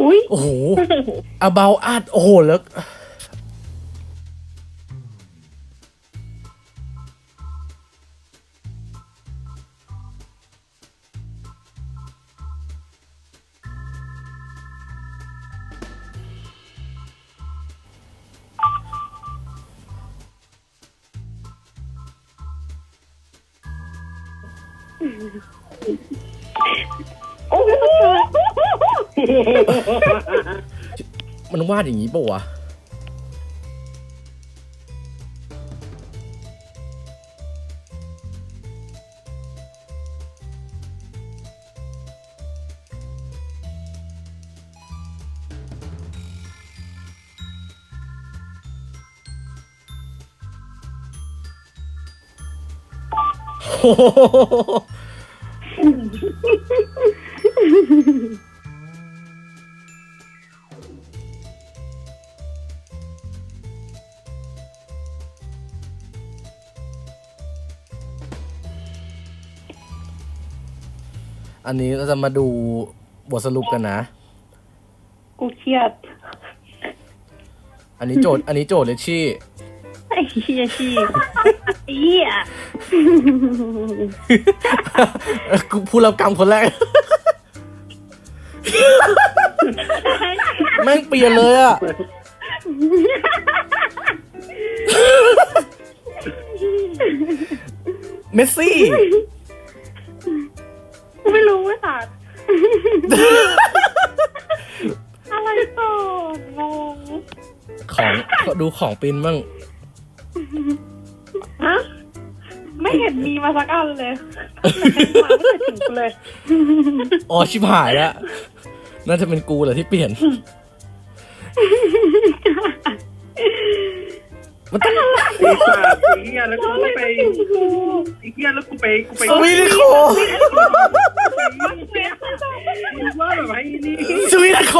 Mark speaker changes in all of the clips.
Speaker 1: อุ้ย
Speaker 2: โอ้โห about us โอ้โหแล้ว
Speaker 1: โอ้โห
Speaker 2: มันวาดอย่างนี้ปะวะ โอ้โหอันนี้เราจะมาดูบทสรุปกันนะ
Speaker 1: กูเครียด
Speaker 2: อันนี้โจทย์เลยชี่
Speaker 1: ไอ้เหี้ยชีไอ้เหี้ย
Speaker 2: กูผู้รับกรรมคนแรก แม่งเปลี่ยนเลยอะเมสซี่
Speaker 1: กูไม่รู้ว่าสัตว์อะไรต่องง
Speaker 2: ของดูของปินบ้าง
Speaker 1: ฮะไม่เห็นมีมาสักอันเลยมาไม่เคยถึงกูเลย
Speaker 2: อ๋อชิบหายแล้วน่าจะเป็นกูแหละที่เปลี่ยน มันต้อง
Speaker 3: ไอ้สัตว์ไอ้เหี้ยแล้วกูไปไอ้เหี้ยแล้วกูไป
Speaker 2: สวีทโค
Speaker 3: มึงว่าแบบไอ้นี่
Speaker 2: สวีทโค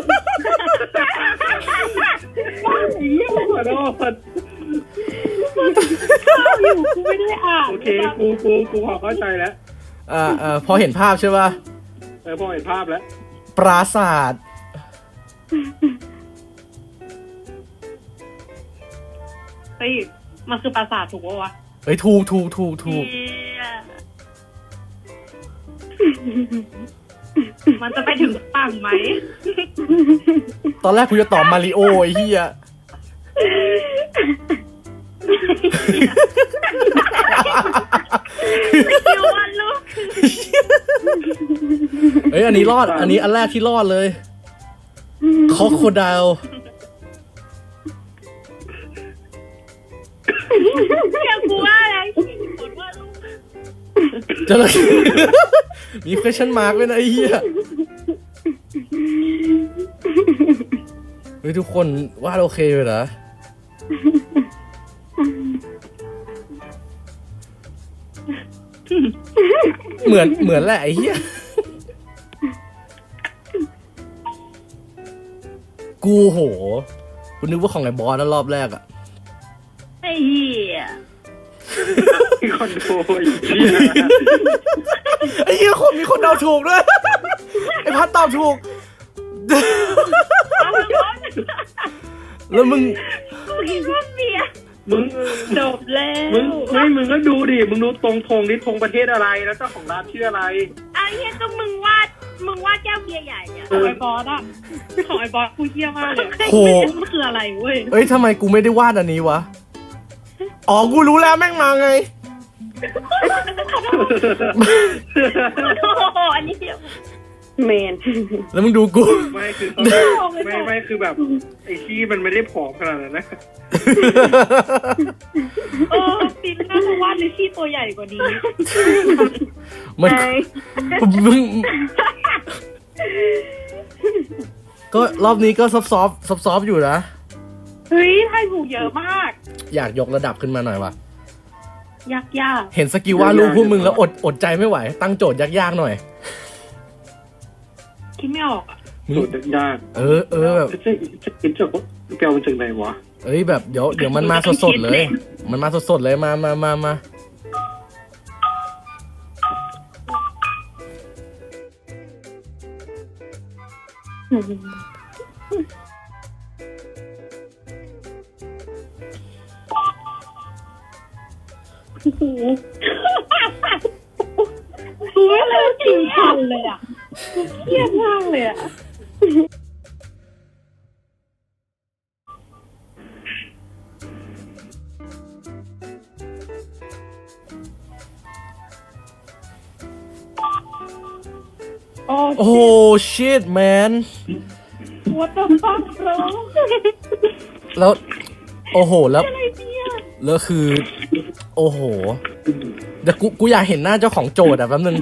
Speaker 3: ไอ้เหี้ยขอโทษ
Speaker 1: อยู่กูไม่ได้อ่าน
Speaker 3: โอเคกูพอเข้าใจแล้ว
Speaker 2: พอเห็นภาพใช่ป่ะ
Speaker 3: พอเห็นภาพแล้ว
Speaker 2: ปราสาท
Speaker 1: เฮ้ยมันคือปราสาทถูกปะวะ
Speaker 2: เฮ้ยถูก
Speaker 1: เหี้ยมันจะไปถึงฝั่งไหม
Speaker 2: ตอนแรกกูจะตอบมาริโอไอ้เหี้ย
Speaker 1: คิววันลูก
Speaker 2: เฮ้ยอันนี้รอด อันนี้อันแรกที่รอดเลยคอโคไดล
Speaker 1: เรียกกูว่าอะไรกดว่าลูก
Speaker 2: จระเข้ มี question mark ด้วยนะไอ้เหี้ยเฮ้ยทุกคนวาดโอเคเลยนะเหมือนแหละไอ้เหี้ยกูโหกูนึกว่าของไอ้บอสนะรอบแรกอะ
Speaker 1: ไอ้เหี้ย
Speaker 3: มีคนโดนไอ้เหี้ย
Speaker 2: ไอ้เหี้ยคนมีคนเดาถูกด้วย ไอ้พัดตอบถูก แล้วมึง
Speaker 1: กูคิดว่าเบียร์
Speaker 3: มึง
Speaker 1: จบแล้ว
Speaker 3: มึงก็ดูดิมึงดูตรงธงนี่ธงประเทศอะไรแล้วเจ้าของร้านชื่ออะไร
Speaker 1: ไอ้เหี้ยก็มึงวาดแก้วเบียร์ใหญ่อะของไอ้บอสอะของไอ้บอสกูเหี้ยมากเลย
Speaker 2: โห
Speaker 1: มันคืออะไรเว้ย
Speaker 2: เอ้ยทำไมกูไม่ได้วาดอันนี้วะ อ๋อ กูรู้แล้วแม่งมาไง
Speaker 1: โอ้โหอันนี้เดียวเมน
Speaker 2: แล้วมึงดูกู
Speaker 3: ไม่คือไม่คือแบบไอ้ขี้มันไม่ได้ผอมขนาดนั้นนะ
Speaker 1: เออปินน่าจะวาดเลยที่ตัวใหญ่กว่านี้
Speaker 2: มันมึงก็รอบนี้ก็ซอฟอยู่นะ
Speaker 1: เฮ้ยไทยถูกเยอะมาก
Speaker 2: อยากยกระดับขึ้นมาหน่อยวะ
Speaker 1: ยาก
Speaker 2: เห็นสกิลวาดรูปพวกมึงแล้วอดใจไม่ไหว ตั้งโจทย์ยากๆหน่อย
Speaker 1: คิดไม่ออกอะ
Speaker 3: สูตรยาก
Speaker 2: เออแบบ
Speaker 3: จะกินจากแปลว่าจากไหนวะ
Speaker 2: เอ้ยแบบเดี๋ยวมันมาสดๆเลย มันมาสดๆเลยมา
Speaker 1: กูไม่เลิกกินทันเลยอ่ะเครียดมากเลยอ่ะโอ้
Speaker 2: โอ้ shit man
Speaker 1: what the fuck bro
Speaker 2: แล้วโอ้โหแล้ว
Speaker 1: อะไรเนี่ย
Speaker 2: แล้วคือ โอ้โหเดี๋ยวกูอยากเห็นหน้าเจ้าของโจทย์อ่ะแป๊บนึง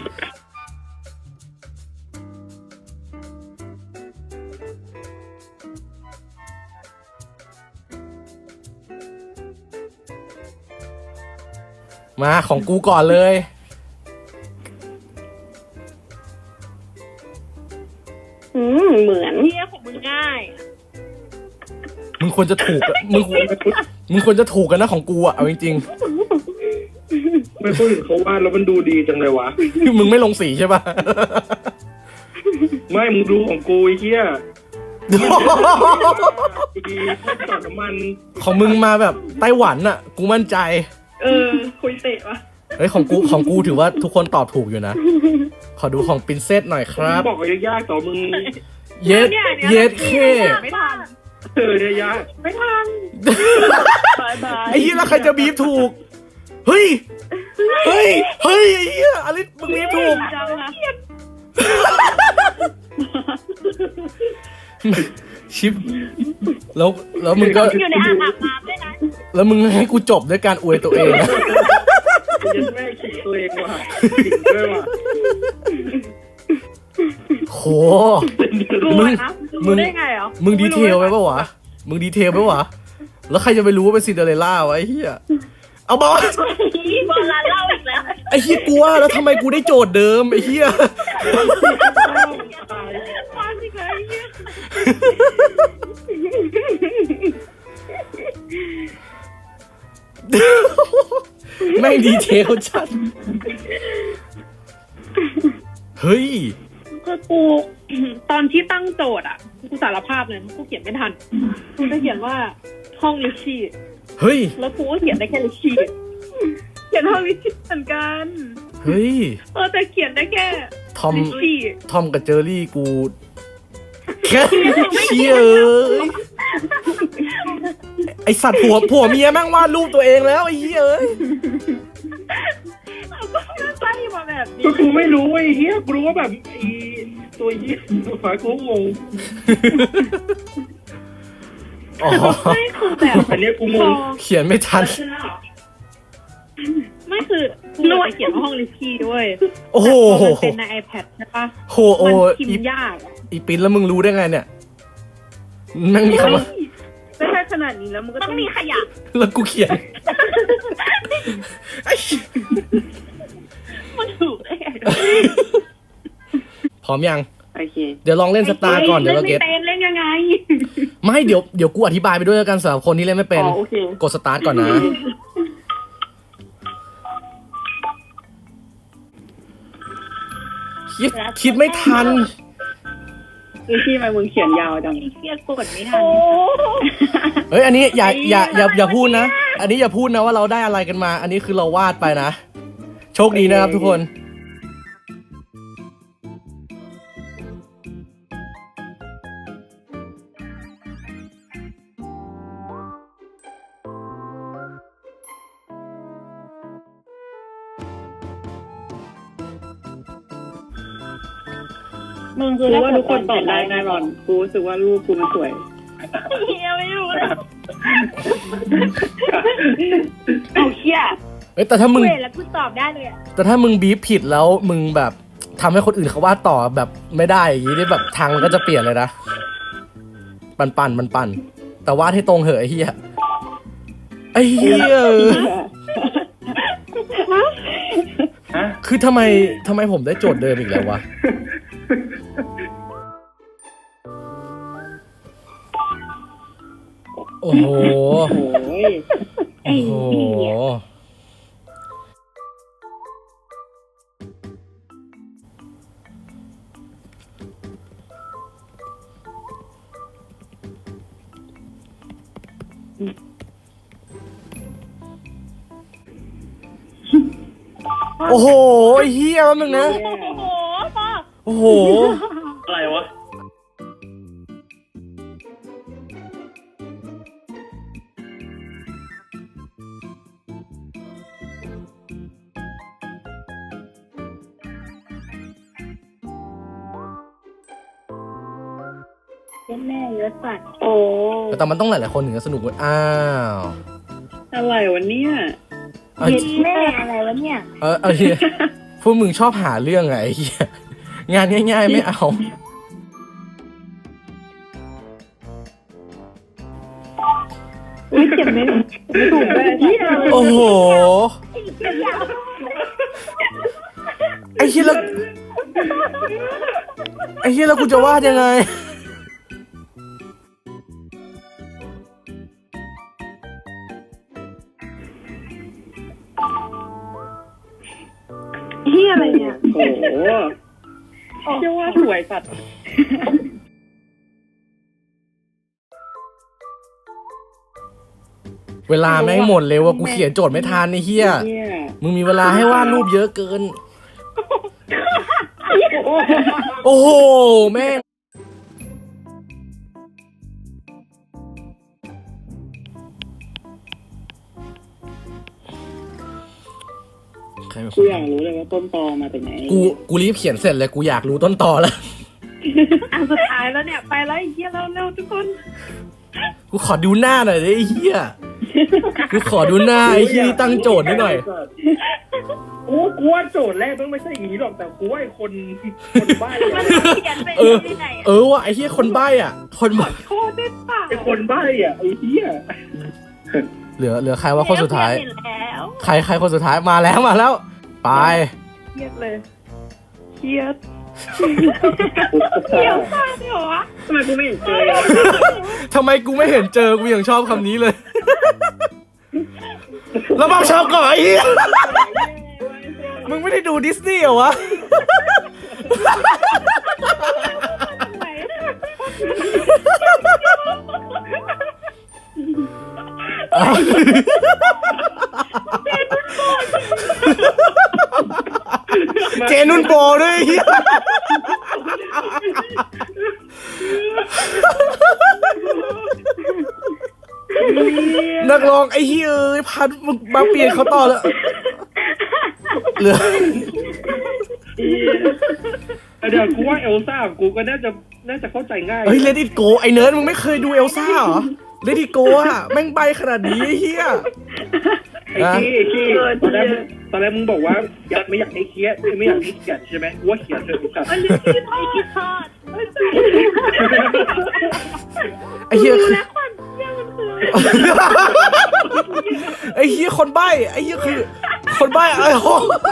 Speaker 2: มาของกูก่อนเลย
Speaker 1: เหมือนเนี่ยของมึงง่าย
Speaker 2: มึงควรจะถูกอะมึงควรจะถูกกันนะของกูอ่ะเอาจริง
Speaker 3: ไม่คนอื่นเขาวาดแล้วมันดูดีจังเลยวะ
Speaker 2: ๆ มึงไม่ลงสีใช่ป่ะ
Speaker 3: ไม่มึงดูของกูไอ้เหี้ยดีไม่ต่อน้ำมัน
Speaker 2: ของมึงมาแบบไต้หวันอ่ะ กูมั่นใจ
Speaker 1: คุยเตะวะ
Speaker 2: เฮ้ยของกูถือว่าทุกคนตอบถูกอยู่นะ ขอดูของปรินเซสหน่อยครับ
Speaker 3: บอกว่ายากๆต่อมึง
Speaker 2: เย็ดเย็ดเค
Speaker 1: ไม่ทัน
Speaker 3: เนี่ยยาก
Speaker 1: ไม่ทันบายบาย
Speaker 2: ไอ้เหี้ยแล้วใครจะบีบถูก เฮ้ย เฮ้ย เฮ้ยไอ้เหี้ยอลิสมึงบีบถูก
Speaker 1: จังนะ
Speaker 2: ชิปแล้วมึงก็
Speaker 1: อยู่ในอ่างอาบน้ำด้วยนะ
Speaker 2: แล้วมึงให้กูจบด้วยการอวยตัวเองนะ
Speaker 3: ยันแม่ขิงตัวเองว่ะขิงด้วยว่ะ
Speaker 2: โห
Speaker 1: กู
Speaker 2: มึง
Speaker 1: นะ
Speaker 2: มึ
Speaker 1: รู้
Speaker 2: ง
Speaker 1: ได้ไงเหรอ
Speaker 2: มึงดีเทลไปปะวะ มึงดีเทลไปปะวะ แล้วใครจะไปรู้ว่าเป็นซินเดอเรลล่าวะไอ้เหี้ย เอาบอล
Speaker 1: บอลลาเล่าอีกแล้ว
Speaker 2: ไอ้เหี้ยกูว่าแล้วทำไมกูได้โจทย์เดิมไอ้เหี้ย
Speaker 1: มาสิคะไอ้เหี้ย
Speaker 2: แม่งดีเทลจัด เฮ้ย
Speaker 1: คือกูตอนที่ตั้งโจทย์อ่ะกูสารภาพเลยกูเขียนไม่ทันกูจะเขียนว่าห้องลิชชี่
Speaker 2: เฮ้ย
Speaker 1: แล้วกูก็เขียนได้แค่ลิชชี่เขียนห้องลิชชี่เหมือนกัน
Speaker 2: เฮ้ย
Speaker 1: แต่เขียนได้แค่
Speaker 2: ทอม
Speaker 1: ลิชชี่
Speaker 2: ทอมกับเจอรี่กูแค่เชี่ยเอ้ยไอสัตว์ผัวเมียแม่งวาดรูปตัวเองแล้วไอ้เหี้ยเอ้ย
Speaker 1: เอาก็ไล่มาแบบนี้
Speaker 3: ก็กูไม่รู้ไอ้เหี้ยกูรู้ว่าแบบไอ้ตัวเหี้ยตัวฝากูงง
Speaker 2: อ๋อ
Speaker 1: ไม่คือแบบ
Speaker 3: อันเนี้ยกูงง
Speaker 2: เขียนไม่ทัน
Speaker 1: ไม่คือกูไปเขียนว่าห้องลิชชี่ด้วย
Speaker 2: โอ้โห
Speaker 1: แต่พอมันเป็นใน iPad ใช่ปะ
Speaker 2: โหโอ้
Speaker 1: มันพิม
Speaker 2: อี
Speaker 1: พ์ยากอะ
Speaker 2: อีปิ้นแล้วมึงรู้ได้ไงเนี่ยแม่งมีคำว่า
Speaker 1: ไม่ใช่ขนาดนี้แล้วมันก็ต้องมีขยะ
Speaker 2: แล้วกูเขียนไอ้
Speaker 1: มันถูกได้ไง
Speaker 2: พร้อมยัง
Speaker 1: โอเค
Speaker 2: เดี๋ยวลองเล่นสตาร์ก่อนเดี๋ยวเราเก็ต
Speaker 1: เล่นยังไง
Speaker 2: ไม่เดี๋ยวกูอธิบายไปด้วยแล้วกันสำหรับคนที่เล่นไม่เป็น
Speaker 1: อ๋อโอเค
Speaker 2: กดสตาร์ทก่อนนะคิดไม่ทัน
Speaker 1: คือที่มามึงเขียนยาวจังเครียดกดไม่ทัน
Speaker 2: เฮ้ยอันนี้อย่าพูดนะ อันนี้อย่าพูดนะว่าเราได้อะไรกันมา อันนี้คือเราวาดไปนะ โชคดีนะครับทุกคน
Speaker 1: มึงคือว่าทุกคนตอบได้แน่นอนกูรู้สึกว่ารูปกูมันสวยเฮียไม่รู้เลยเอาเฮีย
Speaker 2: เอ้ยแต่ถ้ามึง
Speaker 1: เวแล้วกูตอบได้เลยอ่ะ
Speaker 2: แต่ถ้ามึงบีบผิดแล้วมึงแบบทำให้คนอื่นเขาวาดต่อแบบไม่ได้อย่างนี้นี่แบบทางมันก็จะเปลี่ยนเลยนะปั่นแต่วาดให้ตรงเหอะไอ้เหี้ยไอ้เหี้ย
Speaker 3: ฮะ
Speaker 2: คือทำไมผมได้โจทย์เดิมอีกแล้ววะโอ้โห
Speaker 1: โอ้ย
Speaker 2: โอ้โหโอ้โหไอ้เฮียแป๊บนึงนะ
Speaker 1: โอ้โหพ่อ
Speaker 2: โอ้โห
Speaker 3: อะไรวะ
Speaker 1: แม่เยอะสัตว์โอ้
Speaker 2: แต่มันต้องหลายๆคนถึงจะสนุกเว้ยอ้าว
Speaker 3: อะไรวะเนี่ย
Speaker 2: เอา
Speaker 1: เย็ดแม่อะไรวะเนี่ย
Speaker 2: เอาเฮียพวกมึงชอบหาเรื่องไงไอ้เฮียงานง่ายๆไม่เอา
Speaker 1: อุ้ยเจ็บไหมไม่ถูกเลย
Speaker 2: โอ้โห ไอ้เฮียแล้วไอ้เฮียแล้วกูจะวาดยังไง
Speaker 1: เฮียอะไรเนี่ย
Speaker 3: โอ้โหเชื่อว่าสวยสัตว์
Speaker 2: เวลาแม่งหมดเลยว่ะกูเขียนโจทย์ไม่ทันไอ้เฮีย
Speaker 3: เนี่ย
Speaker 2: มึงมีเวลาให้วาดรูปเยอะเกิน โอ้โหแม่งใครเป็นค
Speaker 3: กู
Speaker 2: น
Speaker 3: อยากรู้เลยว่าต้นตอมาจากไหน
Speaker 2: กูรีบเขียนเสร็จเลยกูอยากรู้ต้นตอแล้ว
Speaker 1: อันสุดท้ายแล้วเนี่ยไปแล้วไอ้เฮียเร็วๆทุกคน
Speaker 2: กูขอดูหน้าหน่อยดิไอ้เหี้ย กูขอดูหน้าไอ้เหี้ยที่ตั้งโจทย์นิดหน่อย
Speaker 3: กูว่าโจทย์แรกต้องไม่ใช่อย่างนี้หรอกแต่กูว่าไอ้คนบ้า
Speaker 1: มันเขียนไป
Speaker 2: เออ
Speaker 1: ที่ไหน
Speaker 2: เออว่ะไอ้เหี้ยคนใบ้อ่ะ คนใบ้
Speaker 1: โคตรได้ปาก
Speaker 3: ไอ้คนบ้าอ่ะไอ้เหี้ย
Speaker 2: เหลือใครว่าคนสุดท้าย
Speaker 1: เห็นแล้ว
Speaker 2: ใครคนสุดท้ายมาแล้วไป
Speaker 1: เครียดเลยเครียดเขียวมากเลยเหรอวะ
Speaker 3: ทำไมกูไม่เห็นเจอ
Speaker 2: ทำไมกูไม่เห็นเจอ กูยังชอบคำนี้เลย แล้วมาชอบก่อนไอ้เหี้ยมึงไม่ได้ดูดิสนีย์เหรอวะ
Speaker 1: ทำไม
Speaker 2: เจนุ่นโปด้วยไอ้เหี้ยนักร้องไอ้เหี้ยเอ้ยพันมึงมาเปลี่ยนเขาต่อแล้วเหลือ
Speaker 3: เดี๋ยวกูว่าเอลซ่ากูก็น่าจะเข้าใจง่าย
Speaker 2: เฮ้ยเลดี้โกไอ้เนิร์ดมึงไม่เคยดูเอลซ่าเหรอเลดี้โกอะแม่งใบขนาดนี้ไอ้เหี้ย
Speaker 3: ไอ้ขี้ตอนแรกมึงบอกว่าไม่อยากให้เครียดไม่อยากให้เขียนใช่ไหมกูว่าเขียนเถอะกูกลับ
Speaker 1: มันลืมคิดไม่คิดทอด
Speaker 2: ไอ้เหี้ย
Speaker 1: รู้
Speaker 2: คือ
Speaker 1: แล้วความเชี่ยมันคือ
Speaker 2: ไอ้เหี้ยคนใบไอ้เหี้ยคือคนใบไอ้โห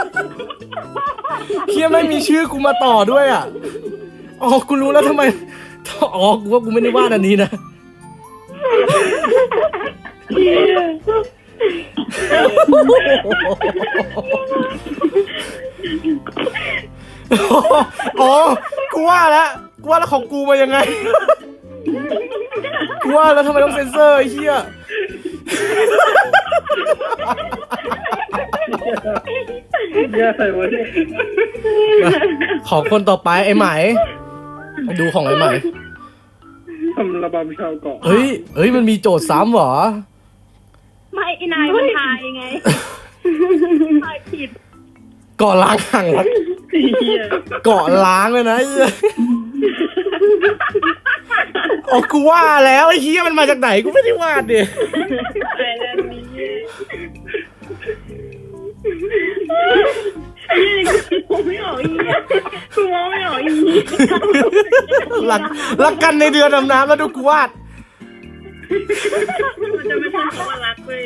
Speaker 2: เหี้ยไม่มีชื่อกูมาต่อด้วยอ่ะอ๋อกูรู้แล้วทำไมอ๋อกูว่ากูไม่ได้วาดอันนี้นะอ๋อกูว่าแล้วของกูมายังไงกูว่าแล้วทำไมต้องเซ็นเซอร์ไอ้เหี้ย
Speaker 3: เนี่ยอะไรวะเนี่ย
Speaker 2: ของคนต่อไปไอ้ไหมดูของไอ้ไหม
Speaker 3: ทำระบำชาวเกาะ
Speaker 2: เฮ้ยมันมีโจทย์ซ้ำเหรอ
Speaker 1: ไม่ไอ้นายมันทายไงทายผิด
Speaker 2: เกาะล้างห่างรัก
Speaker 3: เหี้ย
Speaker 2: เกาะล้างเลยนะไอ้เหี้ยอ๋อกูว่าแล้วไอ้เหี้ยมันมาจากไหนกูไม่ได้วาดดิ
Speaker 3: ไอ้นั่นนี่
Speaker 1: กูไม่ออกอีกกูมองไม่ออกอีก
Speaker 2: รักกันในเดือนดำน้ำแล้วดูกูวาด
Speaker 1: มันจะไม่ใช่คำว่ารักเลย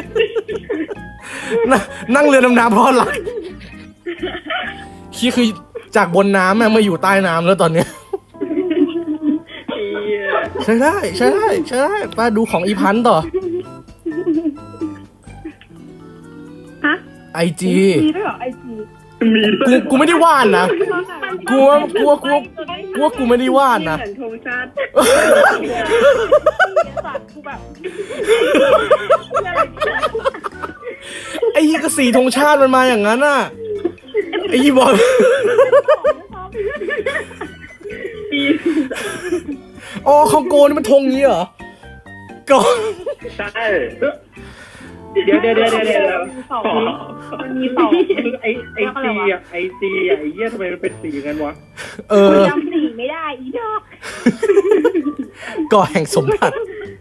Speaker 2: นั่งเรือดำน้ำเพราะรักคือจากบนน้ำมาอยู่ใต้น้ำแล้วตอนเนี้ยใช่ได้ไปดูของอีพันต่อ
Speaker 1: ฮะ
Speaker 2: IG
Speaker 1: มีด้วยเหรอไอจี
Speaker 2: กูไม่ได้วาดนะกูว่ากูไม่ได้วาดนะ
Speaker 1: เหมือนธงชาติสัตว์กูแบบ
Speaker 2: ไอ้เหี้ยก็สีธงชาติมันมาอย่างนั้นอ่ะไอ้ยี่บอลอ๋อคองโกนี่มันธงนี้เหรอก่อน
Speaker 3: ใช่เดี๋ยว
Speaker 1: มันมีสอง
Speaker 3: ไอซีอ่ะไอเหี้ยทำไมมันเป็นสีงั้นวะ
Speaker 1: จำสีไม่ได้อีดอก
Speaker 2: ก่อแห่งสมบัติ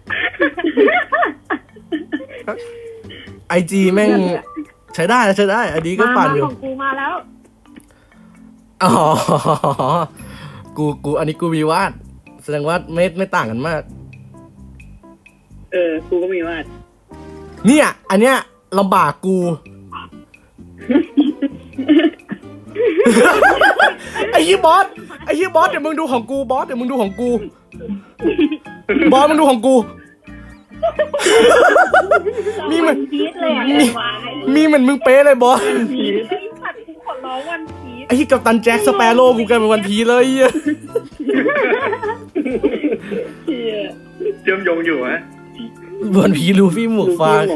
Speaker 2: ไอจีแม่งใช้ได้อันนี้ก็ปั่นอยู่
Speaker 1: ของกูมาแล้ว
Speaker 2: อ๋อกูอันนี้กูมีวาดแสดงว่าไม่ต่างกันมาก
Speaker 3: กูก็มีวาด
Speaker 2: เนี่ยอันเนี้ยลำบากกู ไอ้ยี่บอสเดี๋ยวมึงดูของกูบอสมึงดูของกูมีเหมือน
Speaker 1: พีชเลยอ่ะ
Speaker 2: มีเหมือนมึงเป๊ะเลยบอส
Speaker 1: พีชไอ้สัตว์กูขอร้องวันพีช
Speaker 2: ไอ้ที่กัปตันแจ็คสเปโร่กูกลายเป็นวันพีชเลยอ่ะ
Speaker 3: เชื่อมโยงอยู่ฮะ
Speaker 2: วันพีชลูฟี่หมวกฟาง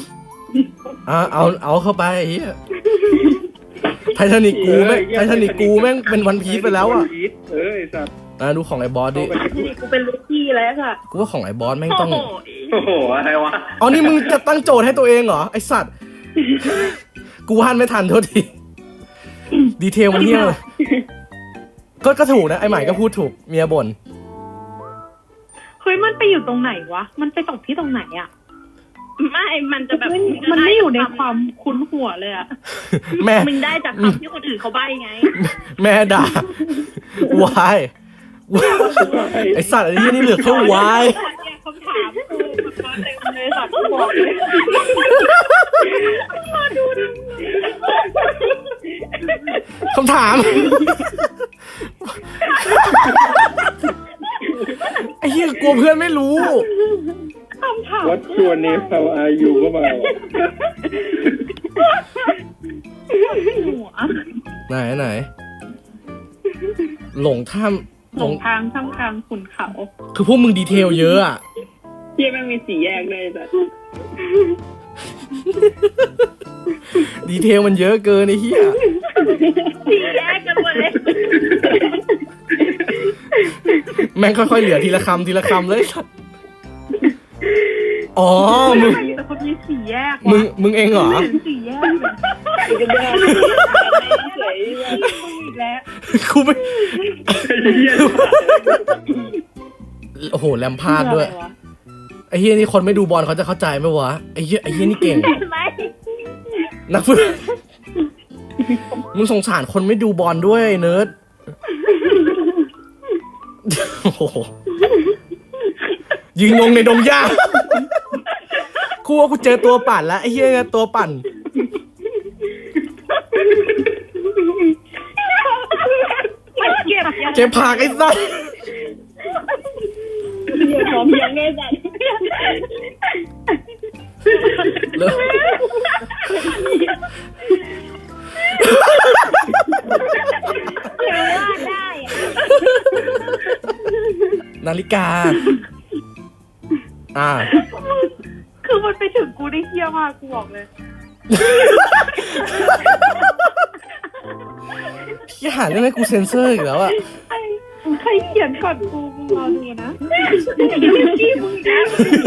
Speaker 2: เอาเข้าไปไอ้เหี้ยไททานิกกูแม่งเป็นวันพีชไปแล้วอ่ะ
Speaker 3: ไอ้สัตว์
Speaker 2: ดูของไอ้บอสดิ
Speaker 1: กูเป็นลูกพี่แล้วค่ะ
Speaker 2: กูว่าของไอ้บอสแม่งต้อง
Speaker 3: โอ้โหอะไรวะ
Speaker 2: อ๋อนี่มึงจะตั้งโจทย์ให้ตัวเองเหรอไอ้สัตว์ กูวาดไม่ทันโทษทีดีเทลมันเหี้ยเลยก็ถูกนะไอ้ใหม่ก็พูดถูกเมียบ่น
Speaker 1: เฮ้ยมันไปอยู่ตรงไหนวะมันไปตกที่ตรงไหนอ่ะ
Speaker 4: ไม่มันจะแบบ
Speaker 1: มันไม่อยู่ในความคุ้นหัวเลยอ่ะ
Speaker 2: แม่
Speaker 4: มึงได้จากคำที่คนอื่นเขาใบ้ไง
Speaker 2: แม่ด่าวายไอ้สัตว์ไอ้นี่เหลือแค่วาย
Speaker 1: เนี่ยคำถามกูมาเต็มเลยสัตว์กูบอกเลย
Speaker 2: คำถามไอ้เหี้ยกลัวเพื่อนไม่รู้
Speaker 1: คำถาม
Speaker 3: วัดชวนเนฟเอาอายุก็มา
Speaker 1: หัว
Speaker 2: ไหนหลงถ้ำ
Speaker 1: หลงทางท่ามกลางขุนเขา
Speaker 2: คือพวกมึงดีเทลเยอะอะ
Speaker 4: เฮียแม่งมีสีแยกเลยแบบ
Speaker 2: ดีเทลมันเยอะเกินไอ้เหี้ย
Speaker 4: สีแยกกันหมดเลย
Speaker 2: แม่งค่อยๆเหลือทีละคำเลยสัตว์อ๋อมึง
Speaker 1: แต่เขามีสี่แยก
Speaker 2: มึงเองเหรอ
Speaker 1: สี่แยกเลย
Speaker 4: กันแยกเฉย
Speaker 1: อีกแล้ว
Speaker 2: กูไม่โอ้โหแลมพาร์ดด้วยไอ้เฮียนี่คนไม่ดูบอลเขาจะเข้าใจไหมวะไอ้เฮียนี่เก่ง
Speaker 4: ไม่
Speaker 2: นักฟุตมึงสงสารคนไม่ดูบอลด้วยเนิร์ดโอ้โหยิงงในดงหญ้ากูว่ากูเจอตัวปั่นแล้วไอ้เฮียเนี่ยตัวปั่น เก็บผักไอ้สัส
Speaker 4: เฮียพร้อมยังไงสัตว์ เดี๋ยวว่าได้
Speaker 2: นาฬิกา
Speaker 1: คือมันไปถึงกูได้เฮี้ยมากกูบอกเลย
Speaker 2: พี่หาเรื่องให้กูเซ็นเซอร์อีกแล้วอะ
Speaker 1: ใครเขียนก่อนกูมึงรอดูนะ
Speaker 4: พี่มึงนะ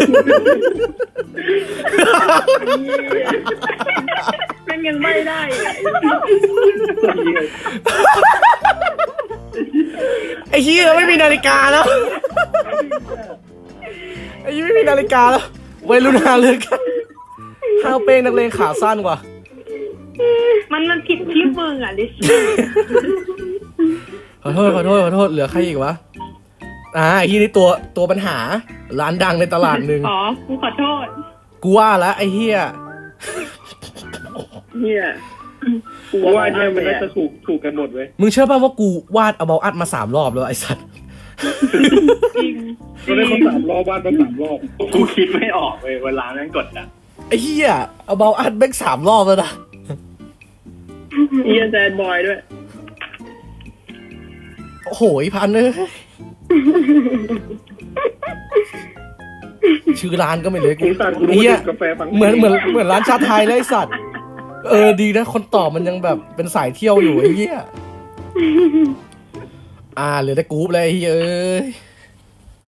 Speaker 4: มันยังไม่ได้
Speaker 2: ไอ้เหี้ยไม่มีนาฬิกาแล้วไอ้เหี้ยไม่มีนาฬิกาแล้ววัยรุ่นหาเรื่องกันห้าวเป้งนักเลงขาสั้นกว่า
Speaker 1: มันผิดที่มึงอ่ะลิช
Speaker 2: ขอโทษเหลือใครอีกวะไอ้ที่นี่ตัวปัญหาร้านดังในตลาดหนึ่ง
Speaker 1: อ๋อกูขอโทษ
Speaker 2: กูว่าแล้วไอ้เหี้ย
Speaker 3: กูว่าเนี่ยมันน่าจะถูกกันหมดเว้ย
Speaker 2: มึงเชื่อป่ะว่ากูวาดabout us มา3 รอบแล้วไอ้สัตว์
Speaker 1: จริง
Speaker 3: ก็ได้มา3 รอบบ้านมา3 รอบกูคิดไม่ออกเลยเวลาแม่งกดอ่ะ
Speaker 2: ไอ้เหี้ย about us แม่ง3 รอบแล้วนะ
Speaker 4: เฮียแซดบอยด้วย
Speaker 2: โอ้โหพันเลยชื่อร้านก็ไม่เลยกู
Speaker 3: ไอ้สัตว์กู
Speaker 2: ไอ้
Speaker 3: รู้
Speaker 2: เหี้ย
Speaker 3: ว่ากาแฟฟัง
Speaker 2: เหมือนร้านชาไทยเลยไอ้สัตว์ดีนะคนตอบมันยังแบบเป็นสายเที่ยวอยู่ไอ้เหี้ยเหลือแต่กรุ๊ปเลยไอ้เหี้ยเอ้ย